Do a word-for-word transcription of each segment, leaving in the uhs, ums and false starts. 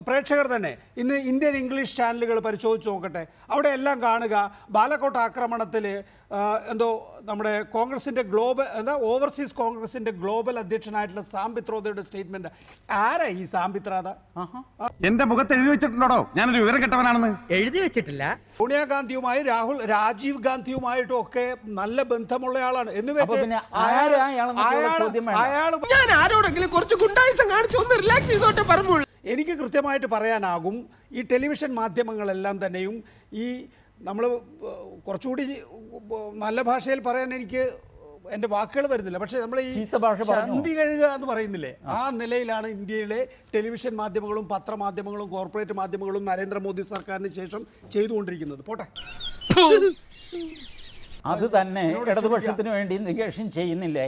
പ്രേക്ഷകർ തന്നെ ഇന്ന് ഇന്ത്യൻ ഇംഗ്ലീഷ് ചാനലുകൾ പരിശോധിച്ച് നോക്കട്ടെ. അവിടെ എല്ലാം കാണുക ബാലക്കോട്ട് ആക്രമണത്തിൽ എന്തോ നമ്മുടെ കോൺഗ്രസിൻ്റെ ഗ്ലോബൽ എന്താ ഓവർസീസ് കോൺഗ്രസിൻ്റെ ഗ്ലോബൽ അധ്യക്ഷനായിട്ടുള്ള സാം പിത്രോദയുടെ സ്റ്റേറ്റ്മെന്റ്. ആരാ ഈ സാം പിത്രോദ? എന്റെ മുഖത്ത് എഴുതി വെച്ചിട്ടുണ്ടോ ഞാനൊരു വിവരം കെട്ടവനാണെന്ന്? എഴുതി വെച്ചിട്ടില്ല. സോണിയാഗാന്ധിയുമായി രാഹുൽ രാജീവ് ഗാന്ധിയുമായിട്ടും ഒക്കെ നല്ല ബന്ധമുള്ള ആളാണ് എന്ന് വെച്ച് അയാൾ ഞാൻ ആരോടെങ്കിലും കുറച്ച് ഗുണ്ടായിസം കാണിച്ചു ഒന്ന് റിലാക്സ് ചെയ്തോട്ടെ പറഞ്ഞു. എനിക്ക് കൃത്യമായിട്ട് പറയാനാകും ഈ ടെലിവിഷൻ മാധ്യമങ്ങളെല്ലാം തന്നെയും ഈ നമ്മൾ കുറച്ചുകൂടി നല്ല ഭാഷയിൽ പറയാൻ എനിക്ക് എൻ്റെ വാക്കുകൾ വരുന്നില്ല, പക്ഷേ നമ്മൾ ഈ ചന്തി കഴുകുക എന്ന് പറയുന്നില്ലേ, ആ നിലയിലാണ് ഇന്ത്യയിലെ ടെലിവിഷൻ മാധ്യമങ്ങളും പത്രമാധ്യമങ്ങളും കോർപ്പറേറ്റ് മാധ്യമങ്ങളും നരേന്ദ്രമോദി സർക്കാരിന് ശേഷം ചെയ്തുകൊണ്ടിരിക്കുന്നത്. പോട്ടെ, അത് തന്നെ ഇടതുപക്ഷത്തിന് വേണ്ടി നികേഷൻ ചെയ്യുന്നില്ലേ?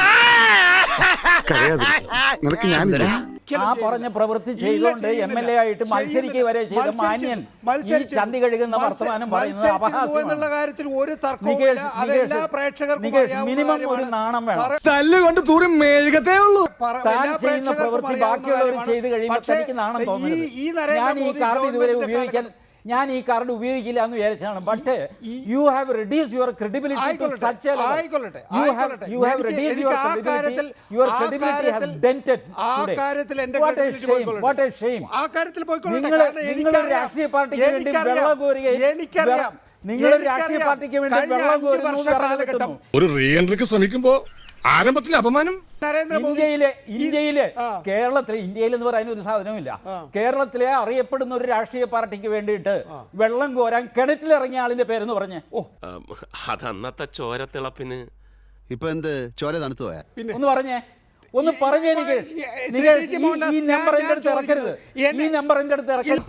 ആ പറഞ്ഞ പ്രവൃത്തി ചെയ്തുകൊണ്ട് എം എൽ എ ആയിട്ട് മത്സരിക്കുക വരെ ചെയ്ത മാന്യൻ ഈ ചന്തി കഴുകുന്ന വർത്തമാനം പറയുന്നത് അപഹാസ്യമാണ്. കാര്യത്തിൽ ഒരു തർക്കവുമില്ല. അതെല്ലാ പ്രേക്ഷകർക്കും മിനിമം ഒരു നാണം വേണം. തല്ലുകൊണ്ട് തൂറി മെഴുകത്തേ ഉള്ളൂ. താൻ ചെയ്യുന്ന പ്രവൃത്തി ബാക്കിയുള്ളവർ ചെയ്ത് കഴിയുമ്പോൾ തനിക്ക് നാണം തോന്നുന്നത്. ഞാൻ ഈ കാർഡ് ഇതുവരെ ഉപയോഗിക്കാൻ ഞാൻ ഈ കാർഡ് ഉപയോഗിക്കില്ല എന്ന് വിചാരിച്ചാണ്. But you have reduce your credibility to such a level. You have you have reduce your credibility. Your credibility has dented today. What a shame, what a shame. നിങ്ങൾ നിങ്ങൾ രാഷ്ട്രീയ പാർട്ടിക്ക് വേണ്ടി വെള്ളം കോരുകയും നിങ്ങൾ രാഷ്ട്രീയ പാർട്ടിക്ക് വേണ്ടി വെള്ളം കോരുന്നു. ഒരു റീ എൻട്രിക്ക് ശ്രമിക്കുമ്പോ ആരംഭത്തിലെ അപമാനം. ഇന്ത്യയിലെ ഇന്ത്യയിലെ കേരളത്തിലെ ഇന്ത്യയിൽ എന്ന് പറയാൻ ഒരു സാധനവുമില്ല. കേരളത്തിലെ അറിയപ്പെടുന്ന ഒരു രാഷ്ട്രീയ പാർട്ടിക്ക് വേണ്ടിയിട്ട് വെള്ളം കോരാൻ കിണറ്റിലിറങ്ങിയ ആളിന്റെ പേരെന്ന് പറഞ്ഞേ. ഓ, അതന്നത്തെ ചോരത്തിളപ്പിന് ഇപ്പൊ എന്ത് ചോര തണുത്തു പോയാ? ഒന്ന് പറഞ്ഞേ, ഒന്ന് പറഞ്ഞേ. എനിക്ക് ഈ നമ്പർ എന്റെ അടുത്ത് ഇറക്കരുത്, ഈ നമ്പർ എന്റെ അടുത്ത് ഇറക്കരുത്.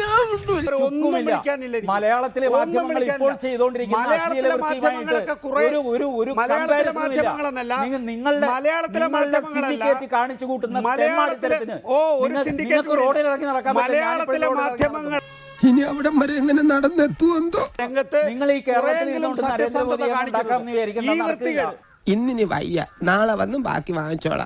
മലയാളത്തിലെ മാധ്യമങ്ങൾ ഇപ്പോൾ ചെയ്തുകൊണ്ടിരിക്കുന്ന അശ്ലീല വൃത്തിയുമായിട്ട് ഒരു ഒരു ഒരു നിങ്ങളുടെ സിൻഡിക്കേറ്റ് കാണിച്ചു കൂട്ടുന്ന തെമ്മാടിത്തരത്തിന് നിങ്ങൾക്ക് റോഡിൽ ഇറങ്ങി നടക്കാൻ പറ്റില്ല. ഇനി അവിടെ വരെ എങ്ങനെ നടന്നെത്തുവെന്തോ. നിങ്ങൾ ഈ കേരളത്തിൽ ഇരുന്നുകൊണ്ട് നരേന്ദ്രമോദിയെ ഉണ്ടാക്കാമെന്ന് വിചാരിക്കുന്ന ഇന്നിനി വയ്യ, നാളെ വന്നും ബാക്കി വാങ്ങിച്ചോളാം.